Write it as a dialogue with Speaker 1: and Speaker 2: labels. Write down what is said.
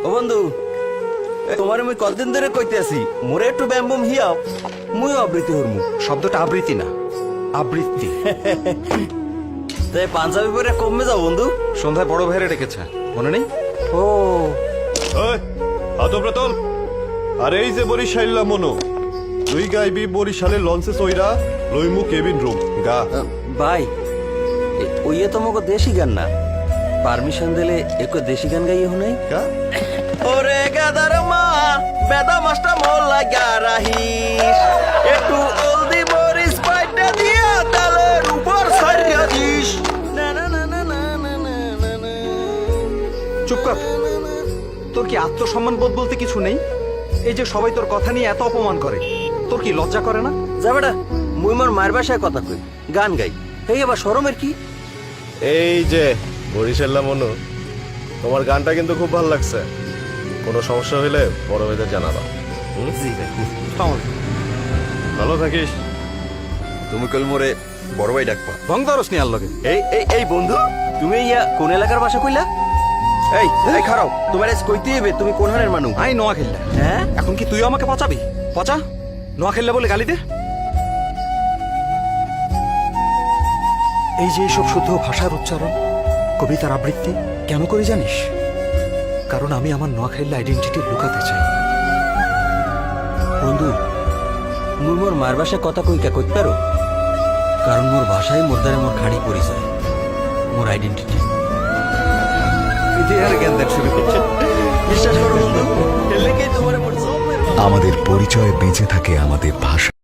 Speaker 1: বন্ধু তোমার আমি কতদিন ধরে কইতে আছি মোরে একটু ব্যাম্বম হিয়াও মুই আবৃত্তি হরমু।
Speaker 2: শব্দটা আবৃত্তি না, আবৃত্তি।
Speaker 1: তাই পাঞ্জাবি পরে কমে যাও বন্ধু।
Speaker 2: সন্ধ্যায় বড় ভাইরে ডেকেছে, মনে নেই?
Speaker 1: ও
Speaker 3: আদব্রতল আর এই যে বরিশাইল্লা মনো তুই গাইবি বরিশালের লঞ্চে চইরা লইমু কেবিন রুম গা।
Speaker 1: ভাই ওইয়ে তোমাকে দেশি গান না, পারমিশন দিলে একটু দেশি গান গাইয়ে হুনাই।
Speaker 3: গা
Speaker 1: ওরে গাদার মা বেদা মাস্টার মোল লাগা রাহিস একটু অলদি মরিস পাইটা দিয়া তালের উপর সারিয়া দিস। না না না না না না না না।
Speaker 2: চুপ কর। তোর কি আত্মসম্মান বোধ বলতে কিছু নেই? এই যে সবাই তোর কথা নিয়ে এত অপমান করে, তোর কি লজ্জা করে না?
Speaker 1: যা বেটা, মুই মোর মায়ের বাসায় কথা কই, গান গাই, এই আবার শরমের কি?
Speaker 3: এই যে বরিশাল্লা মনো তোমার গানটা কিন্তু খুব ভালো লাগছে। কোনো সমস্যা হইলে বড় ভাইদের জানাবা। ভালো থাকিস।
Speaker 1: তুমি কল মোরে বড় ভাই ডাকবা।
Speaker 2: ভং ধরস নি আর লগে।
Speaker 1: এই বন্ধু তুমি ইয়া কোন এলাকার বাসা কইলা? এই খারাও, তোমার আজ কইতে হবে তুমি কোন হানের মানুষ?
Speaker 2: আই নোয়া খেললা।
Speaker 1: হ্যাঁ
Speaker 2: এখন কি তুইও আমাকে পচাবি? পচা, নোয়া খেললা বলে গালি দে। এই যে এইসব শুদ্ধ ভাষার উচ্চারণ, কবিতার আবৃত্তি কেন করে জানিস? কারণ আমি আমার নোয়াখাইল্লা আইডেন্টিটি লুকাতে চাই।
Speaker 1: বন্ধু মুই মোর মার বাসায় কথা কইকা কইতে পারো, কারণ মোর ভাষায় মোর দ্বারা মোর খাড়ি পরিচয়, মোর আইডেন্টিটি। আর জ্ঞান দেখ শুরু করছে। বিশ্বাস করো বন্ধু, এর লেগেই তোমার
Speaker 4: আমাদের পরিচয় বেঁচে থাকে আমাদের ভাষা।